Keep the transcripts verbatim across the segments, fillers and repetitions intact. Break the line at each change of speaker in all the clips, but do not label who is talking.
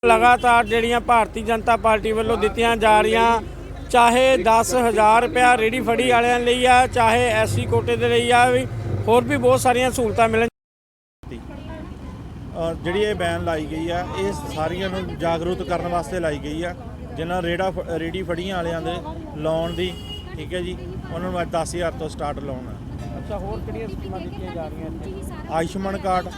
लगातार ਜਿਹੜੀਆਂ ਭਾਰਤੀ ਜਨਤਾ ਪਾਰਟੀ ਵੱਲੋਂ ਦਿੱਤੀਆਂ ਜਾ ਰਹੀਆਂ ਚਾਹੇ दस हज़ार रुपया रेहड़ी फड़ी वालिਆਂ ਲਈ ਆ ਚਾਹੇ ਐਸਸੀ ਕੋਟੇ ਦੇ ਲਈ ਆ ਵੀ ਹੋਰ ਵੀ ਬਹੁਤ ਸਾਰੀਆਂ ਸਹੂਲਤਾਂ ਮਿਲਣ
ਜਿਹੜੀ ਇਹ ਬੈਨ ਲਾਈ ਗਈ ਆ ਇਹ ਸਾਰੀਆਂ ਨੂੰ ਜਾਗਰੂਕ ਕਰਨ ਵਾਸਤੇ ਲਾਈ ਗਈ ਆ ਜਿਨ੍ਹਾਂ ਰੇੜਾ ਰੇੜੀ ਫੜੀਆਂ ਵਾਲਿਆਂ ਦੇ ਲੋਨ ਦੀ ਠੀਕ ਹੈ ਜੀ ਉਹਨਾਂ ਨੂੰ दस हज़ार ਤੋਂ ਸਟਾਰਟ ਲੋਨ ਆ।
ਅੱਛਾ ਹੋਰ ਕਿਹੜੀਆਂ ਸਕੀਮਾਂ ਦਿੱਤੀਆਂ ਜਾ ਰਹੀਆਂ ਇੱਥੇ?
ਆਯੁਸ਼ਮਾਨ ਕਾਰਡ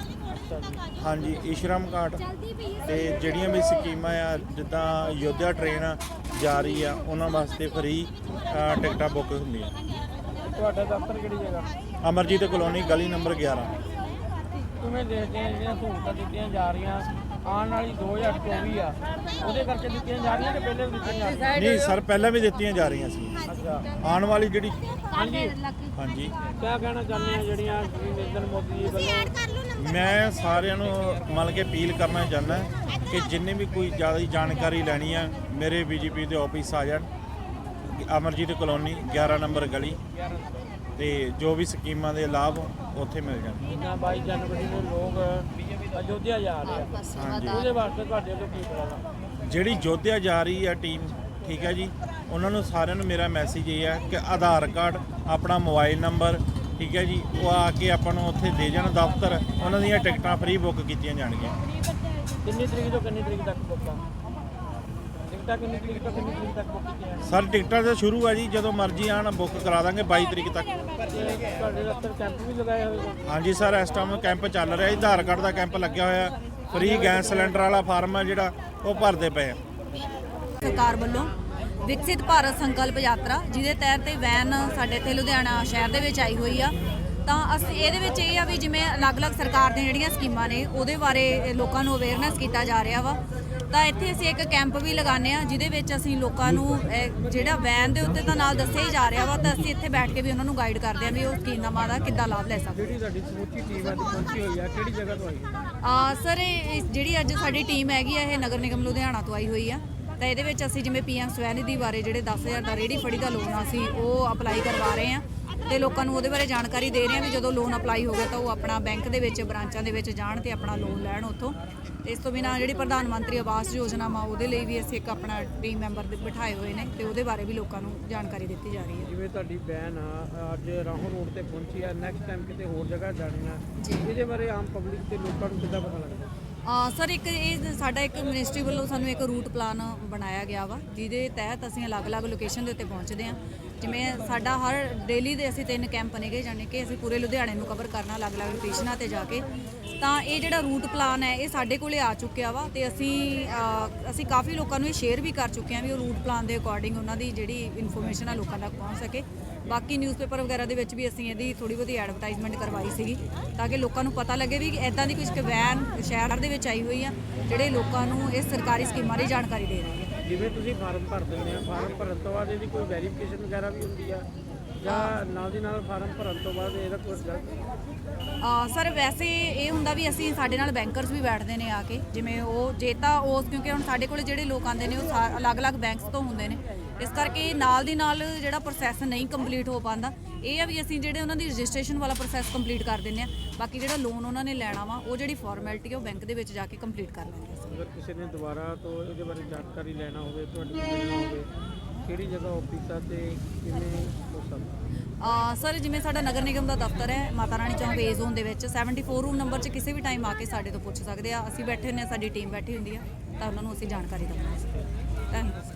ਹਾਂਜੀ ਈਸ਼ਰਮ ਕਾਰਡ ਤੇ ਜਿਹੜੀਆਂ ਵੀ ਸਕੀਮਾਂ ਆ ਜਿੱਦਾਂ ਯੋਧਿਆ ਟ੍ਰੇਨ ਜਾ ਰਹੀ ਆ ਉਹਨਾਂ ਵਾਸਤੇ ਫ੍ਰੀ ਟਿਕਟਾਂ ਬੁੱਕ ਹੁੰਦੀਆਂ।
ਤੁਹਾਡਾ ਦਫ਼ਤਰ ਕਿਹੜੀ ਜਗ੍ਹਾ?
ਅਮਰਜੀਤ ਕਲੋਨੀ ਗਲੀ ਨੰਬਰ ਗਿਆਰਾਂ।
ਕਿਵੇਂ ਦੇਖਦੇ ਆ ਜਿਹੜੀਆਂ ਸਹੂਲਤਾਂ ਦਿੱਤੀਆਂ ਜਾ ਰਹੀਆਂ ਆਉਣ ਵਾਲੀ ਦੋ ਹਜ਼ਾਰ ਚੌਵੀ ਆ ਉਹਦੇ ਕਰਕੇ ਦਿੱਤੀਆਂ ਜਾ ਰਹੀਆਂ ਕਿ ਪਹਿਲੇ ਵੀ ਦਿੱਤੀਆਂ ਜਾ ਰਹੀਆਂ?
ਨਹੀਂ ਸਰ ਪਹਿਲਾਂ ਵੀ ਦਿੱਤੀਆਂ ਜਾ ਰਹੀਆਂ ਸੀ।
ਅੱਛਾ
ਆਉਣ ਵਾਲੀ ਜਿਹੜੀ
ਹਾਂਜੀ
ਹਾਂਜੀ
ਕੀ ਕਹਿਣਾ ਚਾਹੁੰਦੇ ਆ ਜਿਹੜੀਆਂ ਨਰਿੰਦਰ ਮੋਦੀ ਜੀ ਵੱਲੋਂ?
ਮੈਂ ਸਾਰਿਆਂ ਨੂੰ ਮਤਲਬ ਕਿ ਅਪੀਲ ਕਰਨਾ ਚਾਹੁੰਦਾ ਕਿ ਜਿੰਨੇ ਵੀ ਕੋਈ ਜ਼ਿਆਦਾ ਜਾਣਕਾਰੀ ਲੈਣੀ ਆ ਮੇਰੇ ਬੀਜੇਪੀ ਦੇ ਆਫਿਸ ਆ ਜਾਣ ਅਮਰਜੀਤ ਕਲੋਨੀ ਗਿਆਰਾਂ ਨੰਬਰ ਗਲੀ ਤੇ ਜੋ ਵੀ ਸਕੀਮਾਂ ਦੇ ਲਾਭ ਉੱਥੇ ਮਿਲ ਜਾਣ।
ਬਾਈ ਜਨਵਰੀ ਨੂੰ ਲੋਕ ਅਯੋਧਿਆ ਜਾ ਰਹੇ ਆ ਉਹਦੇ ਵਾਸਤੇ ਤੁਹਾਡੇ ਵੱਲੋਂ ਕੀ ਕਰਾਂਗਾ?
ਜਿਹੜੀ ਅਯੋਧਿਆ ਜਾ ਰਹੀ ਆ ਟੀਮ ਠੀਕ ਹੈ ਜੀ ਉਹਨਾਂ ਨੂੰ ਸਾਰਿਆਂ ਨੂੰ ਮੇਰਾ ਮੈਸੇਜ ਇਹ ਹੈ ਕਿ ਆਧਾਰ ਕਾਰਡ ਆਪਣਾ ਮੋਬਾਈਲ ਨੰਬਰ ਠੀਕ ਹੈ ਜੀ ਉਹ ਆ ਕੇ ਆਪਾਂ ਨੂੰ ਉੱਥੇ ਦੇ ਜਾਣ ਦਫ਼ਤਰ ਉਹਨਾਂ ਦੀਆਂ ਟਿਕਟਾਂ ਫ੍ਰੀ ਬੁੱਕ ਕੀਤੀਆਂ ਜਾਣਗੀਆਂ।
ਕਿੰਨੀ ਤਰੀਕ ਤੋਂ ਕਿੰਨੀ ਤਰੀਕ ਤੱਕ ਬੁੱਕ ਆ ਟਿਕਟਾਂ? ਕਿੰਨੀ ਤਰੀਕ ਤੋਂ ਕਿੰਨੀ ਤਰੀਕ ਤੱਕ ਬੁੱਕ ਕੀਤੀਆਂ?
ਸਰ ਟਿਕਟਾਂ ਤਾਂ ਸ਼ੁਰੂ ਆ ਜੀ ਜਦੋਂ ਮਰਜ਼ੀ ਆਣ ਬੁੱਕ ਕਰਾ ਦਾਂਗੇ ਬਾਈ ਤਰੀਕ ਤੱਕ।
ਤੁਹਾਡੇ ਦਫ਼ਤਰ ਕੈਂਪ ਵੀ ਲਗਾਏ ਹੋਏ?
ਹਾਂਜੀ ਸਰ ਇਸ ਟਾਈਮ ਕੈਂਪ ਚੱਲ ਰਿਹਾ ਜੀ ਆਧਾਰ ਕਾਰਡ ਦਾ ਕੈਂਪ ਲੱਗਿਆ ਹੋਇਆ ਫ੍ਰੀ ਗੈਸ ਸਿਲੰਡਰ ਵਾਲਾ ਫਾਰਮ ਆ ਜਿਹੜਾ ਉਹ ਭਰਦੇ ਪਏ ਆ।
ਸਰਕਾਰ ਵੱਲੋਂ ਵਿਕਸਿਤ ਭਾਰਤ ਸੰਕਲਪ ਯਾਤਰਾ ਜਿਹਦੇ ਤਹਿਤ ਵੈਨ ਸਾਡੇ ਇੱਥੇ ਲੁਧਿਆਣਾ ਸ਼ਹਿਰ ਦੇ ਵਿੱਚ ਆਈ ਹੋਈ ਆ ਤਾਂ ਅਸੀਂ ਇਹਦੇ ਵਿੱਚ ਇਹ ਆ ਵੀ ਜਿਵੇਂ ਅਲੱਗ-ਅਲੱਗ ਸਰਕਾਰ ਦੀਆਂ ਜਿਹੜੀਆਂ ਸਕੀਮਾਂ ਨੇ ਉਹਦੇ ਬਾਰੇ ਲੋਕਾਂ ਨੂੰ ਅਵੇਅਰਨੈਸ ਕੀਤਾ ਜਾ ਰਿਹਾ ਵਾ ਤਾਂ ਇੱਥੇ ਅਸੀਂ ਇੱਕ ਕੈਂਪ ਵੀ ਲਗਾਉਂਦੇ ਆ ਜਿਹਦੇ ਵਿੱਚ ਅਸੀਂ ਲੋਕਾਂ ਨੂੰ ਜਿਹੜਾ ਵੈਨ ਦੇ ਉੱਤੇ ਤਾਂ ਨਾਲ ਦੱਸਿਆ ਹੀ ਜਾ ਰਿਹਾ ਵਾ ਤਾਂ ਅਸੀਂ ਇੱਥੇ ਬੈਠ ਕੇ ਵੀ ਉਹਨਾਂ ਨੂੰ ਗਾਈਡ ਕਰਦੇ ਆ ਵੀ ਉਹ ਸਕੀਮਾਂ ਦਾ ਕਿੱਦਾਂ ਲਾਭ ਲੈ ਸਕਦੇ।
ਜਿਹੜੀ ਸਾਡੀ ਸਮੁੱਚੀ ਟੀਮ ਅੱਜ ਪਹੁੰਚੀ ਹੋਈ ਆ ਕਿਹੜੀ ਜਗ੍ਹਾ ਤੋਂ ਆਈ
ਆ ਸਰ ਇਹ ਜਿਹੜੀ ਅੱਜ ਸਾਡੀ ਟੀਮ ਹੈਗੀ ਆ ਇਹ ਨਗਰ ਨਿਗਮ ਲੁਧਿਆਣਾ ਤੋਂ ਆਈ ਹੋਈ ਆ ਤਾਂ ਇਹਦੇ ਵਿੱਚ ਅਸੀਂ ਜਿਵੇਂ ਪੀਐਮ ਸਵੈਨਿਧੀ ਬਾਰੇ ਜਿਹੜੇ ਦਸ ਹਜ਼ਾਰ ਦਾ ਰੇਹੜੀ ਫੜੀ ਦਾ ਲੋਨ ਆ ਅਸੀਂ ਉਹ ਅਪਲਾਈ ਕਰਵਾ ਰਹੇ ਹਾਂ ਤੇ ਲੋਕਾਂ ਨੂੰ ਉਹਦੇ ਬਾਰੇ ਜਾਣਕਾਰੀ ਦੇ ਰਹੇ ਹਾਂ ਵੀ ਜਦੋਂ ਲੋਨ ਅਪਲਾਈ ਹੋ ਗਿਆ ਤਾਂ ਉਹ ਆਪਣਾ ਬੈਂਕ ਦੇ ਵਿੱਚ ਬ੍ਰਾਂਚਾਂ ਦੇ ਵਿੱਚ ਜਾਣ ਤੇ ਆਪਣਾ ਲੋਨ ਲੈਣ ਉੱਥੋਂ। ਤੇ ਇਸ ਤੋਂ ਬਿਨਾਂ ਜਿਹੜੀ ਪ੍ਰਧਾਨ ਮੰਤਰੀ ਆਵਾਸ ਯੋਜਨਾ ਵਾ ਉਹਦੇ ਲਈ ਵੀ ਅਸੀਂ ਇੱਕ ਆਪਣਾ ਟੀਮ ਮੈਂਬਰ ਬਿਠਾਏ ਹੋਏ ਨੇ ਤੇ ਉਹਦੇ ਬਾਰੇ ਵੀ ਲੋਕਾਂ ਨੂੰ ਜਾਣਕਾਰੀ ਦਿੱਤੀ ਜਾ ਰਹੀ ਹੈ।
ਜਿਵੇਂ ਤੁਹਾਡੀ ਬੈਨ ਆ ਅੱਜ ਰਾਹੋਂ ਰੋਡ ਤੇ ਪਹੁੰਚੀ ਆ ਨੈਕਸਟ ਟਾਈਮ ਕਿਤੇ ਹੋਰ ਜਗ੍ਹਾ ਜਾਣੀ ਆ ਇਹਦੇ ਬਾਰੇ ਆਮ ਪਬਲਿਕ ਤੇ ਲੋਕਾਂ ਨੂੰ ਕਿੱਦਾਂ ਪਤਾ ਲੱਗਦਾ?
ਸਰ ਇੱਕ ਇਹ ਸਾਡਾ ਇੱਕ ਮਿਨਿਸਟਰੀ ਵੱਲੋਂ ਸਾਨੂੰ ਇੱਕ ਰੂਟ ਪਲਾਨ ਬਣਾਇਆ ਗਿਆ ਵਾ ਜਿਹਦੇ ਤਹਿਤ ਅਸੀਂ ਅਲੱਗ-ਅਲੱਗ ਲੋਕੇਸ਼ਨ ਦੇ ਉੱਤੇ ਪਹੁੰਚਦੇ ਹਾਂ। ਜਿਵੇਂ ਸਾਡਾ ਹਰ ਡੇਲੀ ਦੇ ਅਸੀਂ ਤਿੰਨ ਕੈਂਪ ਨੇਗੇ ਜਾਣੀ ਕਿ ਅਸੀਂ ਪੂਰੇ ਲੁਧਿਆਣੇ ਨੂੰ ਕਵਰ ਕਰਨਾ ਅਲੱਗ-ਅਲੱਗ ਲੋਕੇਸ਼ਨਾਂ ਤੇ ਜਾ ਕੇ ਤਾਂ ਇਹ ਜਿਹੜਾ ਰੂਟ ਪਲਾਨ ਹੈ ਇਹ ਸਾਡੇ ਕੋਲੇ ਆ ਚੁੱਕਿਆ ਵਾ ਤੇ ਅਸੀਂ ਅਸੀਂ ਕਾਫੀ ਲੋਕਾਂ ਨੂੰ ਇਹ ਸ਼ੇਅਰ ਵੀ ਕਰ ਚੁੱਕੇ ਹਾਂ ਵੀ ਉਹ ਰੂਟ ਪਲਾਨ ਦੇ ਅਕੋਰਡਿੰਗ ਉਹਨਾਂ ਦੀ ਜਿਹੜੀ ਇਨਫੋਰਮੇਸ਼ਨ ਆ ਲੋਕਾਂ ਤੱਕ ਪਹੁੰਚ ਸਕੇ। ਬਾਕੀ ਨਿਊਜ਼ਪੇਪਰ ਵਗੈਰਾ ਦੇ ਵਿੱਚ ਵੀ ਅਸੀਂ ਇਹਦੀ ਥੋੜੀ ਬਹੁਤੀ ਐਡਵਰਟਾਈਜ਼ਮੈਂਟ ਕਰਵਾਈ ਸੀਗੀ ਤਾਂ ਕਿ ਲੋਕਾਂ ਨੂੰ ਪਤਾ ਲੱਗੇ ਵੀ ਇੱਦਾਂ ਦੀ ਕੁਝ ਵੈਨ ਸ਼ਹਿਰ ਦੇ ਵਿੱਚ ਆਈ ਹੋਈ ਆ ਜਿਹੜੇ ਲੋਕਾਂ ਨੂੰ ਇਸ ਸਰਕਾਰੀ ਸਕੀਮਾਂ ਦੀ ਜਾਣਕਾਰੀ ਦੇ ਰਹੀ ਹੈ।
ਜਿਵੇਂ ਤੁਸੀਂ ਫਾਰਮ ਭਰ ਦਿੰਦੇ ਆ ਫਾਰਮ ਭਰਨ ਤੋਂ ਬਾਅਦ ਇਹਦੀ ਕੋਈ ਵੈਰੀਫਿਕੇਸ਼ਨ ਵਗੈਰਾ ਵੀ ਹੁੰਦੀ ਆ ਜਾਂ ਨਾਲ ਦੀ ਨਾਲ ਫਾਰਮ ਭਰਨ ਤੋਂ ਬਾਅਦ ਇਹਦਾ ਕੋਈ ਰਿਜ਼ਲਟ?
ਸਰ ਵੈਸੇ ਇਹ ਹੁੰਦਾ ਵੀ ਅਸੀਂ ਸਾਡੇ ਨਾਲ ਬੈਂਕਰਸ ਵੀ ਬੈਠਦੇ ਨੇ ਆ ਕੇ ਜਿਵੇਂ ਉਹ ਜੇ ਤਾਂ ਉਸ ਕਿਉਂਕਿ ਹੁਣ ਸਾਡੇ ਕੋਲ ਜਿਹੜੇ ਲੋਕ ਆਉਂਦੇ ਨੇ ਉਹ ਅਲੱਗ-ਅਲੱਗ ਬੈਂਕਸ ਤੋਂ ਹੁੰਦੇ ਨੇ ਇਸ ਕਰਕੇ ਨਾਲ ਦੀ ਨਾਲ ਜਿਹੜਾ ਪ੍ਰੋਸੈਸ ਨਹੀਂ ਕੰਪਲੀਟ ਹੋ ਪਾਉਂਦਾ ਇਹ ਆ ਵੀ ਅਸੀਂ ਜਿਹੜੇ ਉਹਨਾਂ ਦੀ ਰਜਿਸਟ੍ਰੇਸ਼ਨ ਵਾਲਾ ਪ੍ਰੋਸੈਸ ਕੰਪਲੀਟ ਕਰ ਦਿੰਦੇ ਆ ਬਾਕੀ ਜਿਹੜਾ ਲੋਨ ਉਹਨਾਂ ਨੇ ਲੈਣਾ ਵਾ ਉਹ ਜਿਹੜੀ ਫਾਰਮੈਲਿਟੀ ਉਹ ਬੈਂਕ ਦੇ ਵਿੱਚ ਜਾ ਕੇ ਕੰਪਲੀਟ ਕਰ ਲੈਂਦੇ ਆ।
ਅਗਰ ਕਿਸੇ ਨੇ ਦੁਬਾਰਾ ਤੋਂ ਇਹਦੇ ਬਾਰੇ ਜਾਣਕਾਰੀ ਲੈਣਾ ਹੋਵੇ ਤੁਹਾਡੇ ਕੋਲ ਮਿਲਣਾ ਹੋਵੇ ਕਿਹੜੀ ਜਗ੍ਹਾ ਆਫਿਸ ਆ ਤੇ ਕਿਵੇਂ ਹੋ ਸਕਦਾ?
ਸਰ ਜਿਵੇਂ ਸਾਡਾ ਨਗਰ ਨਿਗਮ ਦਾ ਦਫ਼ਤਰ ਹੈ ਮਾਤਾ ਰਾਣੀ ਚੌਂਕ ਏ ਜ਼ੋਨ ਦੇ ਵਿੱਚ ਚੌਂਹਠ ਰੂਮ ਨੰਬਰ 'ਚ ਕਿਸੇ ਵੀ ਟਾਈਮ ਆ ਕੇ ਸਾਡੇ ਤੋਂ ਪੁੱਛ ਸਕਦੇ ਆ। ਅਸੀਂ ਬੈਠੇ ਹੁੰਦੇ ਆ ਸਾਡੀ ਟੀਮ ਬੈਠੀ ਹੁੰਦੀ ਆ ਤਾਂ ਉਹਨਾਂ ਨੂੰ ਅਸੀਂ ਜਾਣਕਾਰੀ ਦਵਾਂਗੇ। Thank you.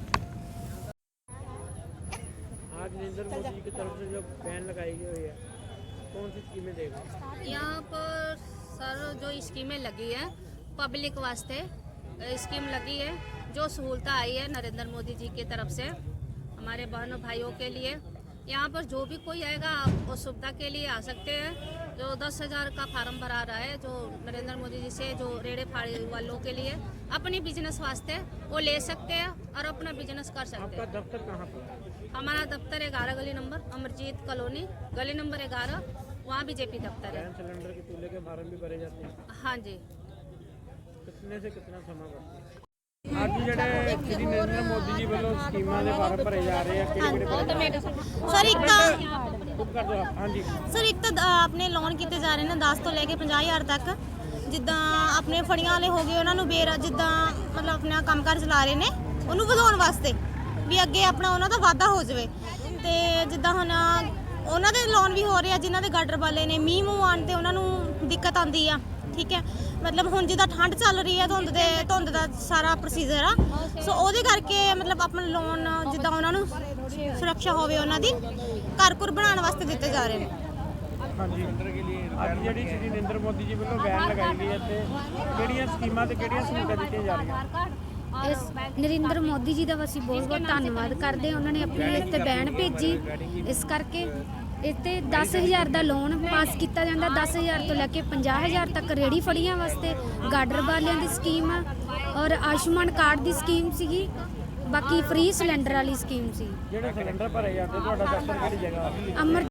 आज नरेंद्र मोदी जी की तरफ से जो बैन लगाई गई है कौन सी स्कीमें देगा?
यहाँ पर सर जो स्कीमें लगी है पब्लिक वास्ते स्कीम लगी है जो सहूलत आई है नरेंद्र मोदी जी की तरफ से हमारे बहनों भाइयों के लिए। यहाँ पर जो भी कोई आएगा वो सुविधा के लिए आ सकते हैं। जो दस हज़ार का फार्म भरा रहा है जो नरेंद्र मोदी जी से जो रेड़े फाड़ी वालों के लिए अपनी बिजनेस वास्ते वो ले सकते हैं और अपना बिजनेस कर सकते हैं।
आपका दफ्तर कहाँ पर?
हमारा दफ्तर ग्यारह गली नंबर अमरजीत कॉलोनी गली नंबर ग्यारह वहाँ बीजेपी दफ्तर है।
गैस सिलेंडर के चूल्हे के फार्म भी भरे जाते हैं?
हाँ जी।
कितने से कितना समय बढ़ता है? ਅੱਜ ਜਿਹੜੇ ਸ਼੍ਰੀ ਨਰਿੰਦਰ ਮੋਦੀ ਜੀ ਵੱਲੋਂ ਸਕੀਮਾਂ ਦੇ ਫਾਰਮ ਭਰੇ ਜਾ ਰਹੇ ਆ ਕਿਹੜੇ ਕਿਹੜੇ?
ਸਰ ਇੱਕ ਤਾਂ
ਚੁੱਪ ਕਰ ਦਿਓ। ਹਾਂਜੀ
ਸਰ ਇੱਕ ਤਾਂ ਆਪਣੇ ਲੋਨ ਕੀਤੇ ਜਾ ਰਹੇ ਨੇ ਦਸ ਤੋਂ ਲੈ ਕੇ ਪੰਜਾਹ ਹਜ਼ਾਰ ਤੱਕ ਜਿੱਦਾਂ ਆਪਣੇ ਫੜੀਆਂ ਵਾਲੇ ਹੋ ਗਏ ਉਹਨਾਂ ਨੂੰ ਬੇਰ ਜਿੱਦਾਂ ਮਤਲਬ ਆਪਣਾ ਕੰਮਕਾਰ ਚਲਾ ਰਹੇ ਨੇ ਉਹਨੂੰ ਵਧਾਉਣ ਵਾਸਤੇ, ਵੀ ਅੱਗੇ ਆਪਣਾ ਉਹਨਾਂ ਦਾ ਵਾਧਾ ਹੋ ਜਾਵੇ। ਤੇ ਜਿੱਦਾਂ ਹੁਣ ਉਹਨਾਂ ਦੇ ਲੋਨ ਵੀ ਹੋ ਰਹੇ ਆ ਜਿਨ੍ਹਾਂ ਦੇ ਗਾਡਰ ਵਾਲੇ ਨੇ, ਮੀਂਹ ਮੂੰਹ ਆਉਣ ਤੇ ਉਹਨਾਂ ਨੂੰ ਦਿੱਕਤ ਆਉਂਦੀ ਆ, ਠੀਕ ਹੈ। ਮਤਲਬ ਹੁਣ ਜਿੱਦਾਂ ਠੰਡ ਚੱਲ ਰਹੀ ਹੈ, ਧੁੰਦ ਦੇ ਧੁੰਦ ਦਾ ਸਾਰਾ ਪ੍ਰੋਸੀਜਰ ਆ, ਸੋ ਉਹਦੇ ਕਰਕੇ ਮਤਲਬ ਆਪਣਾ ਲੋਨ ਜਿੱਦਾਂ ਉਹਨਾਂ ਨੂੰ ਸੁਰੱਖਿਆ ਹੋਵੇ, ਉਹਨਾਂ ਦੀ ਘਰ ਘੁਰ ਬਣਾਉਣ ਵਾਸਤੇ ਦਿੱਤੇ ਜਾ ਰਹੇ ਨੇ।
ਹਾਂਜੀ, ਅੱਜ ਜਿਹੜੀ ਸ਼੍ਰੀ ਨਰਿੰਦਰ ਮੋਦੀ ਜੀ ਵੱਲੋਂ ਵੈਨ ਲਗਾਈ ਗਈ ਹੈ ਤੇ ਕਿਹੜੀਆਂ ਸਕੀਮਾਂ ਤੇ ਕਿਹੜੀਆਂ ਸਹੂਲਤਾਂ ਦਿੱਤੀਆਂ ਜਾ ਰਹੀਆਂ?
ਇਸ ਨਰਿੰਦਰ ਮੋਦੀ ਜੀ ਦਾ ਅਸੀਂ ਬਹੁਤ ਬਹੁਤ ਧੰਨਵਾਦ ਕਰਦੇ ਹਾਂ। ਉਹਨਾਂ ਨੇ ਆਪਣੀ ਇੱਥੇ ਬੈਨ ਭੇਜੀ, ਇਸ ਕਰਕੇ ਇੱਥੇ ਦਸ ਹਜ਼ਾਰ ਦਾ ਲੋਨ ਪਾਸ ਕੀਤਾ ਜਾਂਦਾ, ਦਸ ਹਜ਼ਾਰ ਤੋਂ ਲੈ ਕੇ ਪੰਜਾਹ ਹਜ਼ਾਰ ਤੱਕ ਰੇਹੜੀ ਫੜੀਆਂ ਵਾਸਤੇ, ਗਾਡਰ ਵਾਲਿਆਂ ਦੀ ਸਕੀਮ ਆ, ਔਰ ਆਯੁਸ਼ਮਾਨ ਕਾਰਡ ਦੀ ਸਕੀਮ ਸੀਗੀ, ਬਾਕੀ ਫ੍ਰੀ ਸਿਲੰਡਰ ਵਾਲੀ ਸਕੀਮ ਸੀ।
ਜਿਹੜੇ ਸਿਲੰਡਰ ਭਰੇ ਜਾਂਦੇ ਤੁਹਾਡਾ ਦਫ਼ਤਰ ਕਿਹੜੀ ਜਗ੍ਹਾ?
ਅਮਰ